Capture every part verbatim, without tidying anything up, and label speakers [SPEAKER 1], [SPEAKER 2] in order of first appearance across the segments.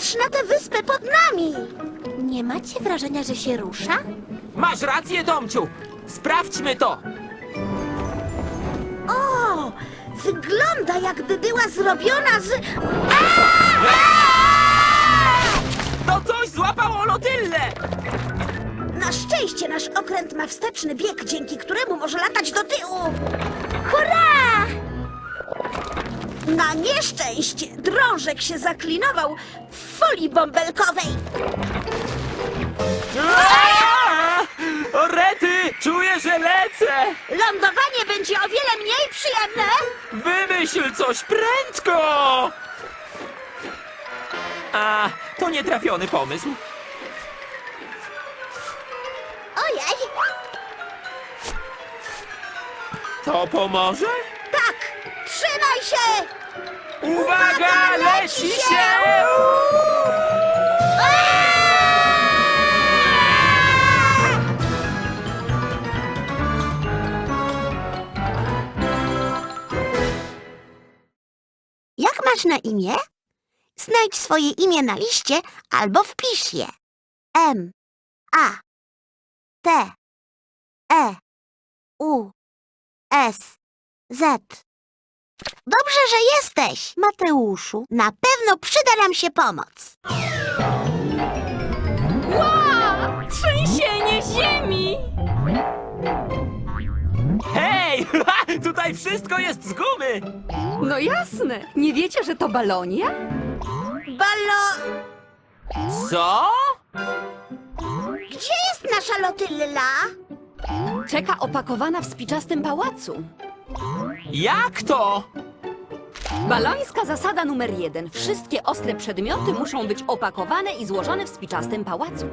[SPEAKER 1] Patrz na tę wyspę pod nami!
[SPEAKER 2] Nie macie wrażenia, że się rusza?
[SPEAKER 3] Masz rację, Tomciu! Sprawdźmy to!
[SPEAKER 1] O! Wygląda, jakby była zrobiona z...
[SPEAKER 3] To coś złapało Lotyllę!
[SPEAKER 1] Na szczęście nasz okręt ma wsteczny bieg, dzięki któremu może latać do tyłu. Hurra! Na nieszczęście drążek się zaklinował w folii bąbelkowej.
[SPEAKER 3] Aaa! O rety! Czuję, że lecę!
[SPEAKER 1] Lądowanie będzie o wiele mniej przyjemne.
[SPEAKER 3] Wymyśl coś prędko! A, to nietrafiony pomysł.
[SPEAKER 1] Ojej!
[SPEAKER 3] To pomoże?
[SPEAKER 1] Tak! Trzymaj się!
[SPEAKER 3] Uwaga, leci się!
[SPEAKER 1] Jak masz na imię? Znajdź swoje imię na liście albo wpisz je. M, A, T, E, U, S, Z. Dobrze, że jesteś, Mateuszu. Na pewno przyda nam się pomoc.
[SPEAKER 2] Trzęsienie ziemi!
[SPEAKER 3] Hej! Tutaj wszystko jest z gumy!
[SPEAKER 4] No jasne. Nie wiecie, że to balonia?
[SPEAKER 1] Balo...
[SPEAKER 3] Co?
[SPEAKER 1] Gdzie jest nasza Lotylla?
[SPEAKER 4] Czeka opakowana w spiczastym pałacu.
[SPEAKER 3] Jak to?
[SPEAKER 4] Balońska zasada numer jeden. Wszystkie ostre przedmioty muszą być opakowane i złożone w spiczastym pałacu.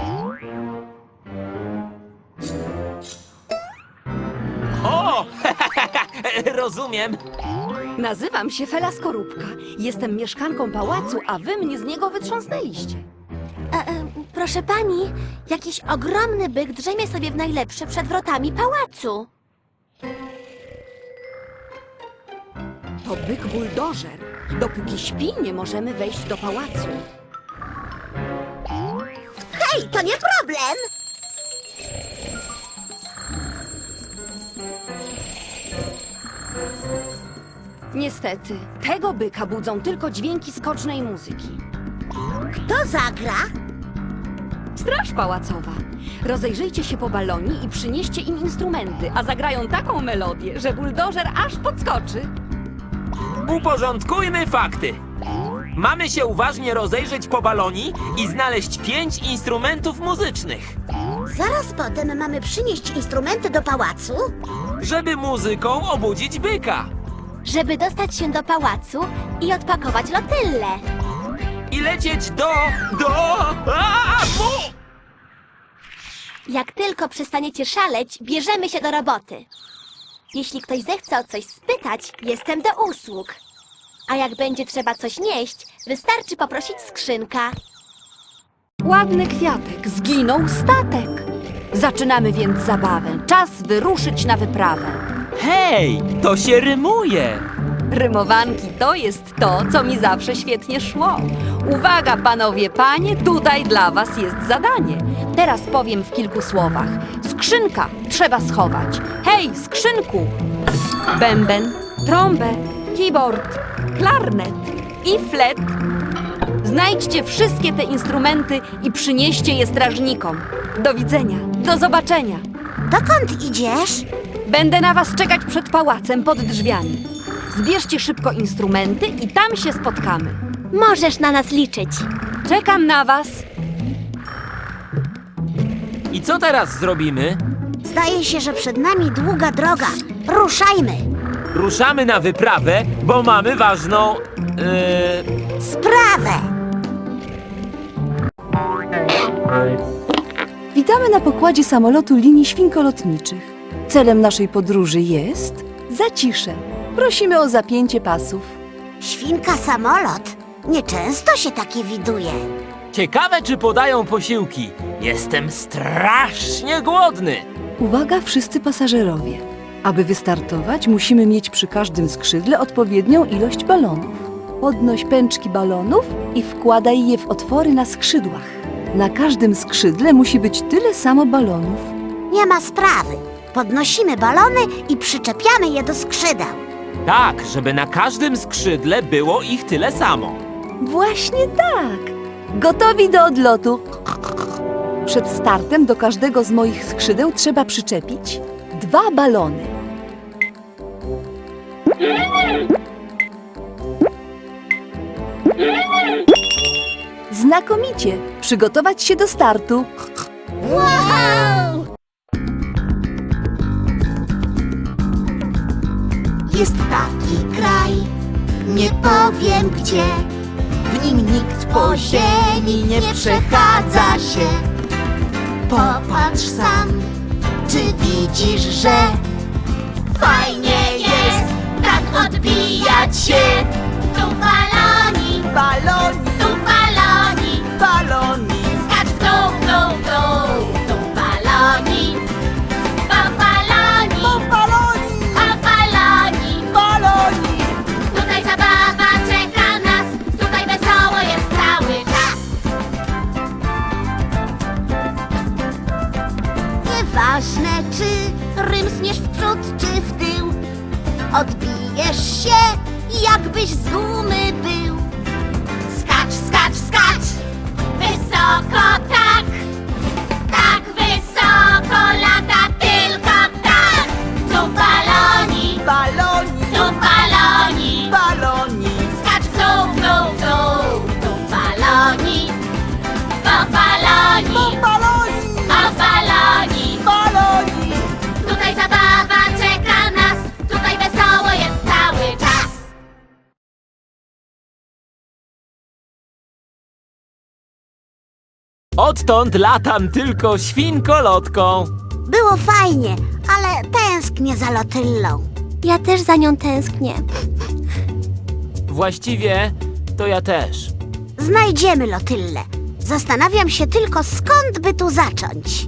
[SPEAKER 3] O! Rozumiem.
[SPEAKER 4] Nazywam się Fela Skorupka. Jestem mieszkanką pałacu, a wy mnie z niego wytrząsnęliście.
[SPEAKER 2] E, e, proszę pani, jakiś ogromny byk drzemie sobie w najlepsze przed wrotami pałacu.
[SPEAKER 4] To byk buldożer. Dopóki śpi, nie możemy wejść do pałacu.
[SPEAKER 1] Hej, to nie problem!
[SPEAKER 4] Niestety, tego byka budzą tylko dźwięki skocznej muzyki.
[SPEAKER 1] Kto zagra?
[SPEAKER 4] Straż pałacowa. Rozejrzyjcie się po balonii i przynieście im instrumenty, a zagrają taką melodię, że buldożer aż podskoczy.
[SPEAKER 3] Uporządkujmy fakty. Mamy się uważnie rozejrzeć po balonii i znaleźć pięć instrumentów muzycznych,
[SPEAKER 1] Zaraz potem mamy przynieść instrumenty do pałacu.
[SPEAKER 3] żeby muzyką obudzić byka.
[SPEAKER 2] Żeby dostać się do pałacu i odpakować Lotyllę.
[SPEAKER 3] I lecieć do... do... A, mu!
[SPEAKER 2] Jak tylko przestaniecie szaleć, bierzemy się do roboty. Jeśli ktoś zechce o coś spytać, jestem do usług. A jak będzie trzeba coś nieść, wystarczy poprosić skrzynka.
[SPEAKER 4] Ładny kwiatek, zginął statek. Zaczynamy więc zabawę. Czas wyruszyć na wyprawę.
[SPEAKER 3] Hej, to się rymuje.
[SPEAKER 4] Rymowanki to jest to, co mi zawsze świetnie szło. Uwaga, panowie, panie, tutaj dla was jest zadanie. Teraz powiem w kilku słowach. Skrzynka trzeba schować. Hej, skrzynku! Bęben, trąbę, keyboard, klarnet i flet. Znajdźcie wszystkie te instrumenty i przynieście je strażnikom. Do widzenia, do zobaczenia.
[SPEAKER 1] Dokąd idziesz?
[SPEAKER 4] Będę na was czekać przed pałacem pod drzwiami. Zbierzcie szybko instrumenty i tam się spotkamy.
[SPEAKER 2] Możesz na nas liczyć.
[SPEAKER 4] Czekam na was.
[SPEAKER 3] I co teraz zrobimy?
[SPEAKER 1] Zdaje się, że przed nami długa droga. Ruszajmy!
[SPEAKER 3] Ruszamy na wyprawę, bo mamy ważną... Yy,
[SPEAKER 1] Sprawę!
[SPEAKER 5] Witamy na pokładzie samolotu linii świnkolotniczych. Celem naszej podróży jest zacisze. Prosimy o zapięcie pasów.
[SPEAKER 1] Świnka samolot. Nieczęsto się takie widuje.
[SPEAKER 3] ciekawe, czy podają posiłki. Jestem strasznie głodny.
[SPEAKER 5] Uwaga wszyscy pasażerowie. Aby wystartować, musimy mieć przy każdym skrzydle odpowiednią ilość balonów. Podnoś pęczki balonów i wkładaj je w otwory na skrzydłach. Na każdym skrzydle musi być tyle samo balonów.
[SPEAKER 1] Nie ma sprawy. Podnosimy balony i przyczepiamy je do skrzydeł.
[SPEAKER 3] Tak, żeby na każdym skrzydle było ich tyle samo.
[SPEAKER 5] Właśnie tak. Gotowi do odlotu. Przed startem do każdego z moich skrzydeł trzeba przyczepić dwa balony. Znakomicie. Przygotować się do startu.
[SPEAKER 1] Wow! Jest taki kraj, nie powiem gdzie. W nim nikt po ziemi nie przechadza się. Popatrz sam, czy widzisz, że fajnie jest tak odbijać się. Tu baloni, baloni, tu baloni, baloni. Skacz w dół, w dół, w dół. Tu baloni, po baloni, po baloni, po baloni, baloni. Tutaj zabawa czeka nas, tutaj wesoło jest cały czas. Nieważne, czy rymsniesz w przód, czy w tył, odbijesz się, jakbyś z gumy był. Skacz, skacz, skacz, wysoko tak, tak wysoko lata tylko tak. Tu baloni, baloni, tu baloni, baloni. Skacz w dół, w dół, w dół. Tu baloni, po baloni, po baloni, po baloni, baloni. Tutaj zabawa czeka nas, tutaj wesoło jest cały czas.
[SPEAKER 3] Odtąd latam tylko świnkolotką.
[SPEAKER 1] Było fajnie, ale tęsknię za Lotyllą.
[SPEAKER 2] Ja też za nią tęsknię.
[SPEAKER 3] Właściwie to ja też.
[SPEAKER 1] Znajdziemy Lotyllę. Zastanawiam się tylko, skąd by tu zacząć.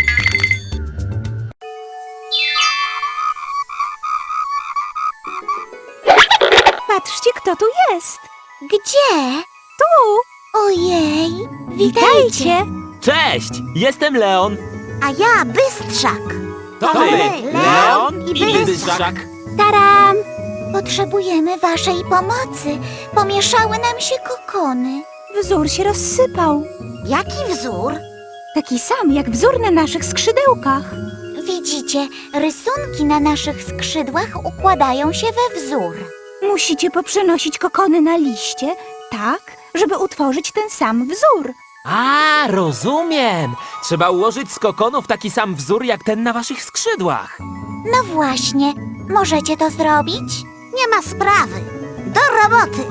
[SPEAKER 2] Patrzcie, kto tu jest.
[SPEAKER 1] Gdzie?
[SPEAKER 2] Tu.
[SPEAKER 1] Ojej,
[SPEAKER 2] Witajcie.
[SPEAKER 3] Cześć, jestem Leon.
[SPEAKER 1] A ja Bystrzak.
[SPEAKER 3] To
[SPEAKER 1] To
[SPEAKER 3] my,
[SPEAKER 1] my,
[SPEAKER 3] Leon
[SPEAKER 1] i
[SPEAKER 3] i
[SPEAKER 1] Bystrzak.
[SPEAKER 3] Bystrzak.
[SPEAKER 2] Taram.
[SPEAKER 1] Potrzebujemy waszej pomocy. Pomieszały nam się kokony.
[SPEAKER 6] Wzór się rozsypał.
[SPEAKER 1] Jaki wzór?
[SPEAKER 6] Taki sam jak wzór na naszych skrzydełkach.
[SPEAKER 1] Widzicie, rysunki na naszych skrzydłach układają się we wzór.
[SPEAKER 6] Musicie poprzenosić kokony na liście, tak, żeby utworzyć ten sam wzór.
[SPEAKER 3] A, rozumiem. Trzeba ułożyć z kokonów taki sam wzór jak ten na waszych skrzydłach.
[SPEAKER 1] No właśnie, możecie to zrobić? Nie ma sprawy. Do roboty.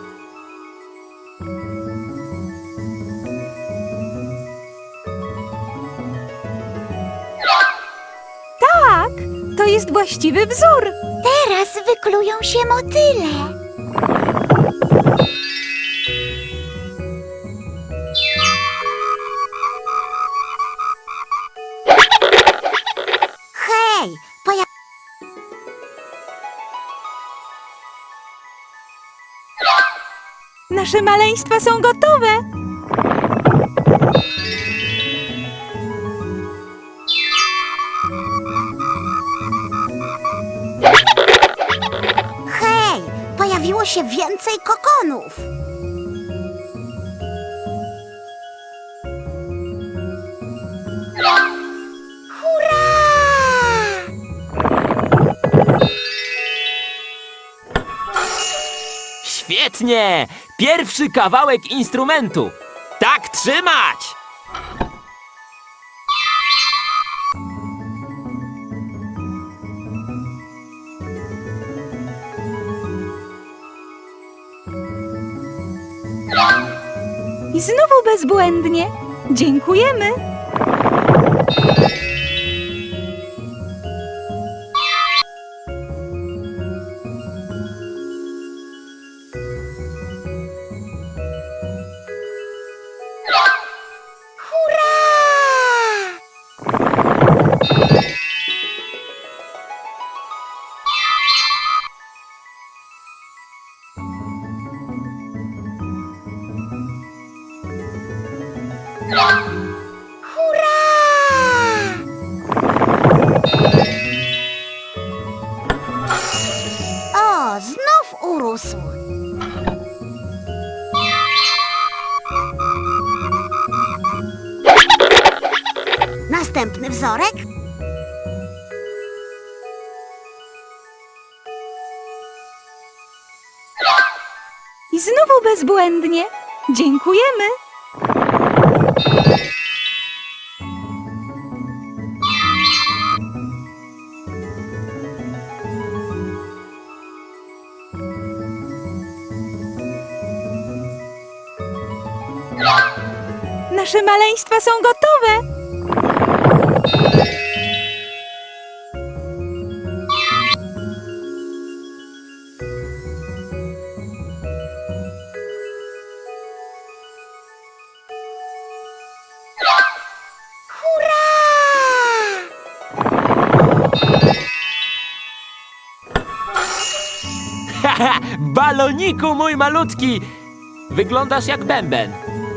[SPEAKER 6] Tak, to jest właściwy wzór.
[SPEAKER 1] Teraz wyklują się motyle. Hej, poja...
[SPEAKER 6] Nasze maleństwa są gotowe.
[SPEAKER 1] Hej, pojawiło się więcej kokonów. Hurra!
[SPEAKER 3] Świetnie! Pierwszy kawałek instrumentu. Tak trzymać!
[SPEAKER 6] I znowu bezbłędnie. Dziękujemy.
[SPEAKER 1] Hurra! Hurra! O, znów urósł. Następny wzorek.
[SPEAKER 6] I znowu bezbłędnie. Dziękujemy. Nasze maleństwa są gotowe.
[SPEAKER 3] Haha, baloniku mój malutki! Wyglądasz jak bęben.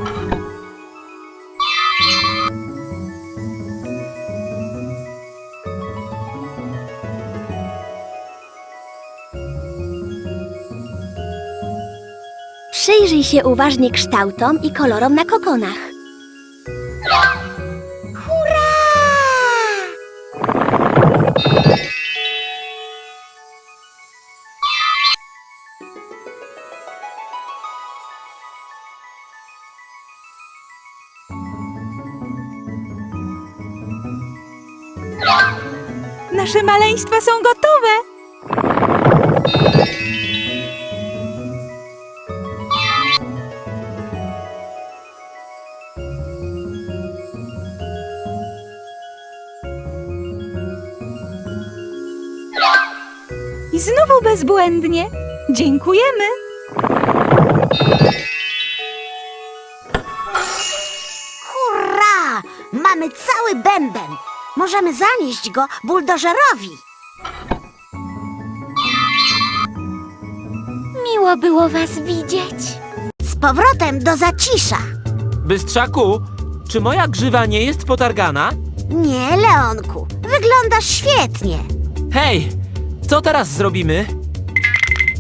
[SPEAKER 2] Przyjrzyj się uważnie kształtom i kolorom na kokonach.
[SPEAKER 1] Hurra!
[SPEAKER 6] Nasze maleństwa są gotowe. I znowu bezbłędnie. Dziękujemy.
[SPEAKER 1] Hurra! Mamy cały bęben. Możemy zanieść go buldożerowi.
[SPEAKER 2] Miło było was widzieć.
[SPEAKER 1] Z powrotem do zacisza.
[SPEAKER 3] Bystrzaku, czy moja grzywa nie jest potargana?
[SPEAKER 1] Nie, Leonku. Wyglądasz świetnie.
[SPEAKER 3] Hej, co teraz zrobimy?